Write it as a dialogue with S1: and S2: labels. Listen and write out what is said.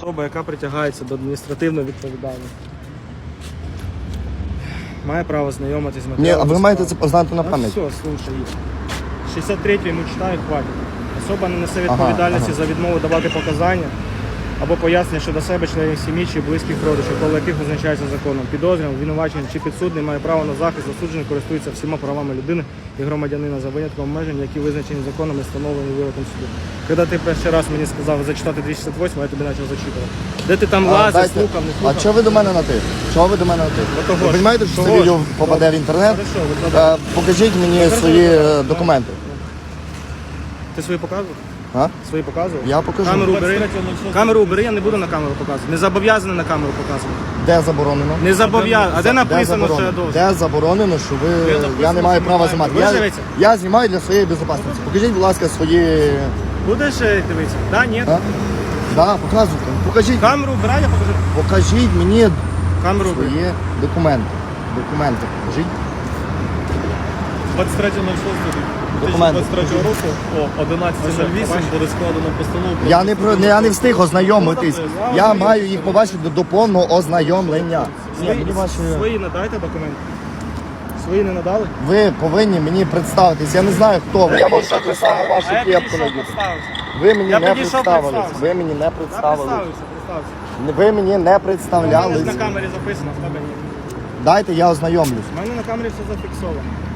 S1: Особа, яка притягається до адміністративної відповідальності, має право знайомитись з матеріалами.
S2: Ні, а ви маєте це познати на пам'ять.
S1: Все, слушай. 63-й йому читаю, хватить. Особа не несе відповідальності за відмову давати показання або пояснення щодо себе, членів сім'ї чи близьких родичів, коло яких визначається законом. Підозрюваний, обвинувачений чи підсудний має право на захист, засуджений користується всіма правами людини і громадянина за винятком обмежень, які визначені законом і встановлені вироком суду. Коли ти перший раз мені сказав зачитати 268, я тобі почав зачитувати. Де ти там лазив, слухав, не слухав?
S2: А чого ви до мене на ти? Чого ви до мене на ти?
S1: того
S2: Ви
S1: ж.
S2: розумієте, що це
S1: Того ж.
S2: відео попаде в інтернет?
S1: Хорошо, викладай.
S2: Покажіть мені свої документи.
S1: Ти свої показував?
S2: А?
S1: Свої показував?
S2: Я покажу.
S1: Камеру убери. Камеру убери, я не буду на камеру показувати. Не зобов'язаний на камеру показувати.
S2: Де заборонено?
S1: Не зобов'язаний. А де написано, що я
S2: заборонено?
S1: должен?
S2: Де заборонено, що я не маю права знімати?
S1: Дивіться.
S2: Я знімаю для своєї безпечності. Покажіть, будь ласка, свої...
S1: Будеш дивитися? Да, ні.
S2: А? Да, показуйте. Покажіть.
S1: Камеру убирай, я покажу.
S2: Покажіть мені
S1: Камеру убери.
S2: свої документи. Документи покажіть.
S3: 23 року о 11:08 буде складено постанову.
S2: Я не встиг ознайомитись. Я маю їх побачити до повного ознайомлення.
S1: Свої надайте документи. Свої не надали?
S2: Ви повинні мені представитись. Я не знаю, хто ви. Я можу представити вашу кепку. Ви мені
S1: Я
S2: не
S1: підійшов,
S2: представились.
S1: представився.
S2: Ви мені не
S1: Я
S2: представились.
S1: представився.
S2: Ви мені не
S1: У мене
S2: представлялись.
S1: на камері записано, в тебе ні.
S2: Дайте я ознайомлюсь.
S1: У мене на камері все зафіксовано.